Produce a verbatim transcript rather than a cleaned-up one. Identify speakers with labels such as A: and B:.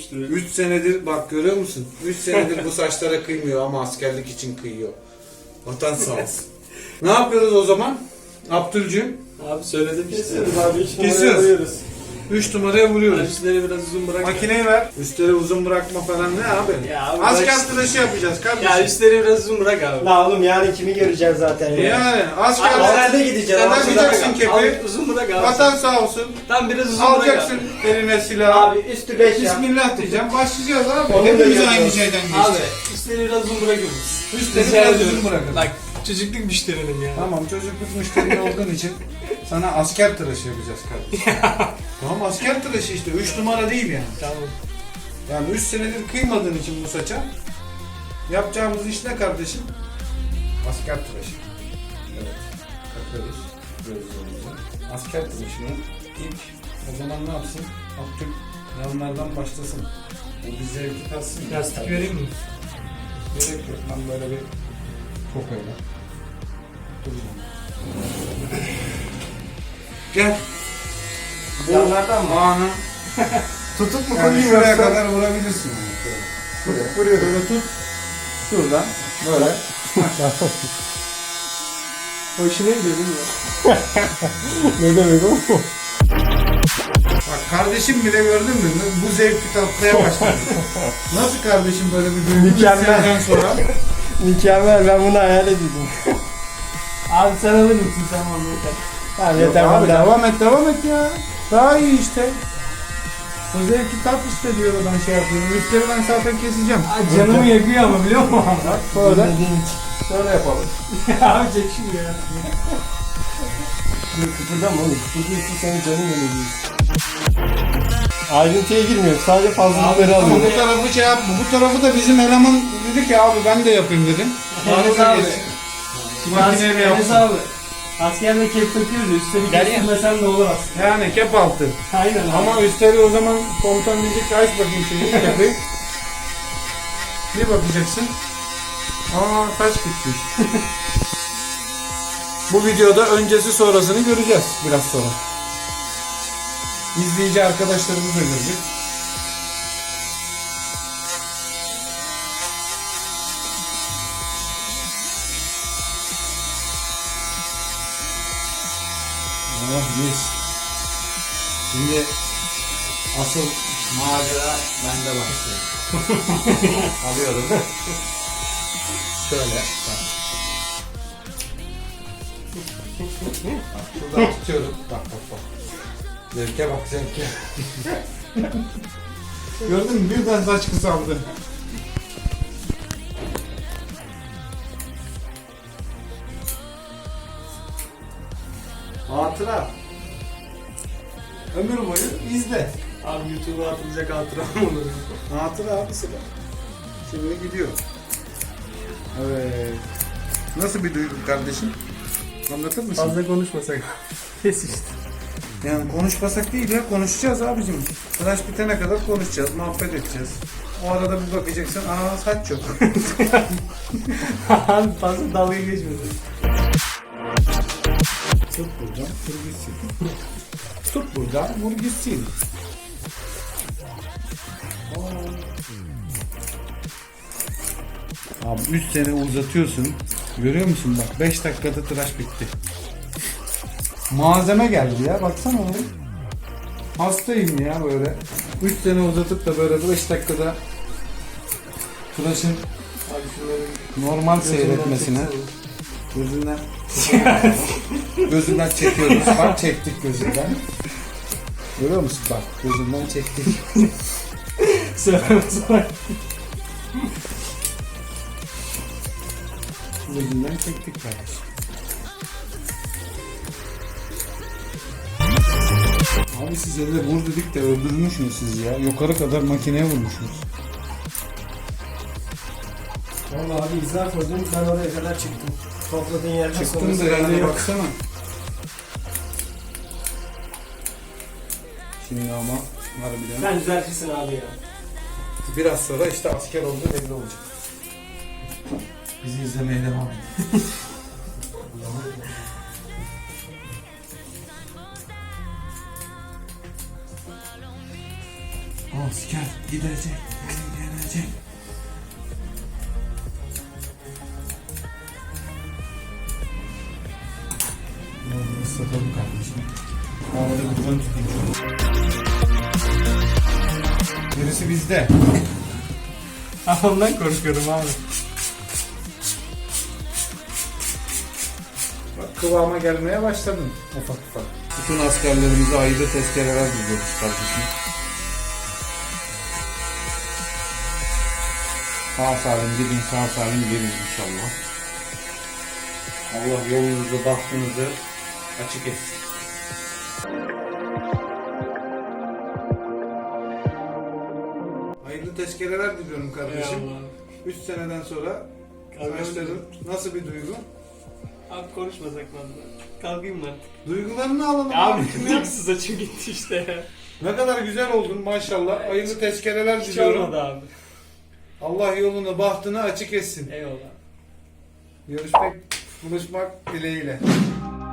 A: üstüne.
B: üç senedir bak görüyor musun? üç senedir bu saçlara kıymıyor ama askerlik için kıyıyor. Vatan sağ olsun. Ne yapıyoruz o zaman? Abdülcüğüm.
A: Abi söyledim işte.
C: Kesiyoruz abi. Hiç
B: Kesiyoruz.
C: koyuyoruz.
B: üç numaraya vuruyoruz.
A: Üstleri biraz uzun bırak.
B: Makineyi ver. Üstleri uzun bırakma falan ne abi?
A: Ya abi
B: Asker
A: bırak-
B: tıraşı yapacağız kardeşim.
A: Ya üstleri biraz uzun bırak abi.
C: La oğlum yarın kimi göreceğiz zaten ya.
B: Yani asker
C: Abi, Askerde gideceğiz.
B: Sen
C: Abi,
B: takacaksın
C: bırak.
B: kepi.
A: Al, uzun bırak abi.
B: Vatan sağ olsun.
A: Tam biraz uzun bırak
B: Alacaksın
A: abi.
B: eline silahı.
C: Abi üstü beş ya.
B: Bismillah diyeceğim. Başlayacağız abi.
C: Onu da
B: Hepimiz
C: yapıyoruz.
B: aynı şeyden geçtik.
A: Abi üstleri biraz uzun bırakıyoruz.
B: Üstleri
A: Rica
B: biraz
A: ediyorum.
B: uzun bırakın.
A: Bak çocukluk müşterinin ya.
B: Tamam çocukluk müşteri olduğun için sana asker tıraşı yapacağız kardeşim. Tamam asker tıraşı işte. üç numara değil yani.
A: Tamam.
B: Yani üç senedir kıymadığın için bu saça yapacağımız iş ne kardeşim? Asker tıraşı. Evet. Takıyoruz gözlerimizi. Asker tıraşını ilk o zaman ne yapsın? Abdül yanlardan başlasın. Bu bir zevki tatsın.
A: Lastik vereyim mi?
B: Gerek yok. Ben böyle bir tokayla. Duracağım. Gel. Bu
C: Yanlardan mı?
B: anı
C: Tutup mu
B: yani
C: koyayım
B: şuraya
C: yoksa?
B: kadar vurabilirsin. Yani. Şöyle.
C: Tutup vuruyorum.
B: Böyle tut. Şuradan böyle.
A: Hoşuna gidiyor değil mi?
C: Ne demek o?
B: Bak kardeşim bile gördün mü? Bu zevki tatmaya başladı. Nasıl kardeşim böyle bir duygu
C: Mükemmel.
B: seneden sonra?
C: Mükemmel, ben bunu hayal ediyordum.
A: Abi sen alır mısın sen onu yeter.
C: Tamam
B: Yok
C: yeter
B: abi
C: bu da.
B: devam et devam et ya. Daha iyi işte. O zevki tat işte diyor ben şey yapıyorum. Üstleri ben zaten keseceğim.
A: Aa, canımı yakıyor ama biliyor musun?
B: Bak böyle. Şöyle yapalım.
A: Abi çek şunu ya.
C: Dur kıpırdama oğlum. Kıpırdıyorsun senin canın yanıyor. Ayrıntıya girmiyorum. Sadece fazlalıkları
B: Ama
C: alıyorum.
B: bu tarafı şey yapma. Bu tarafı da bizim eleman dedi ki abi ben de yapayım dedim.
A: Enes
B: Bana
A: abi.
B: geç. Makineyle
A: Enes
B: yapsın.
A: abi. Askerde kep takıyoruz ya. Üstleri
C: Gel ya.
A: kestirmesen ne olur aslında.
B: Yani kep altı.
A: Aynen abi.
B: Ama üstleri o zaman komutan diyecek ki aç bakayım şimdi kepi. Bir bakacaksın. Aa saç gitmiş. Bu videoda öncesi sonrasını göreceğiz biraz sonra. İzleyici arkadaşlarımız da görecek. Oh mis. Şimdi asıl macera bende başlıyor. Alıyorum. Şöyle. Bak. Bak şuradan tutuyorum. Bak bak bak. Zevke bak zevke. Gördün mü? Birden saç kısaldı. Hatıra. Ömür boyu izle.
A: Abi YouTube'a atılacak hatıram olur.
B: Hatıra abisi bak. Şimdi gidiyor. Evet. Nasıl bir duygu kardeşim? Anlatır mısın?
A: Fazla konuşmasak. Kes işte.
B: Yani konuşmasak değil ya, konuşacağız abicim. Tıraş bitene kadar konuşacağız, muhabbet edeceğiz. O arada bir bakacaksın, aa saç yok.
A: Abi fazla dalga geçmesin.
B: Tut buradan, vur gitsin. Tut buradan, vur gitsin. Abi üç sene uzatıyorsun. Görüyor musun bak beş dakikada tıraş bitti. Malzeme geldi ya baksana oğlum. Hastayım ya böyle. üç sene uzatıp da böyle beş dakikada tıraşın
A: Abi şunları
B: normal seyretmesine gözünden gözünden çekiyoruz. Bak çektik gözünden. Görüyor musun bak gözünden çektik.
A: sıramız var.
B: Gözünden çektik kardeşim. Abi siz evde vur dedik de öldürmüşsünüz siz ya. Yukarı kadar makineye vurmuşsunuz.
C: Vallahi abi izler koydum, ben oraya kadar çıktım. Topladığın yerden
B: Çıktın
C: sonrası
B: da
C: bende
B: yani
C: yok.
B: baksana. Şimdi ama harbiden
A: Sen düzeltirsin abi ya.
B: biraz sonra işte asker olduğu belli olacak. Bizi izlemeye devam edin. Asker asker gidecek, gelecek. Bunu ıslatalım kardeşim. Havada buradan tutayım. Gerisi bizde.
A: Ha, ondan korkuyorum abi.
B: Bak kıvama gelmeye başladın ufak ufak. Bütün askerlerimize ayrı tezkereler diliyoruz kardeşim. Sağ salim gidin, sağ salim gelin inşallah. Allah yolunuzu, bahtınızı açık etsin. Hayırlı tezkereler diliyorum kardeşim.
A: Eyvallah.
B: üç seneden sonra
A: Kalkayım
B: başladın.
A: mı?
B: Nasıl bir duygu?
A: Abi konuşmasak valla. Kalkayım mı artık?
B: Duygularını alalım
A: Abi
B: abicim ya.
A: ilk saçım gitti işte ya.
B: Ne kadar güzel oldun maşallah. Hayırlı tezkereler
A: Hiç
B: diliyorum.
A: olmadı abi.
B: Allah yolunu, bahtını açık etsin.
A: Eyvallah.
B: Görüşmek, buluşmak dileğiyle.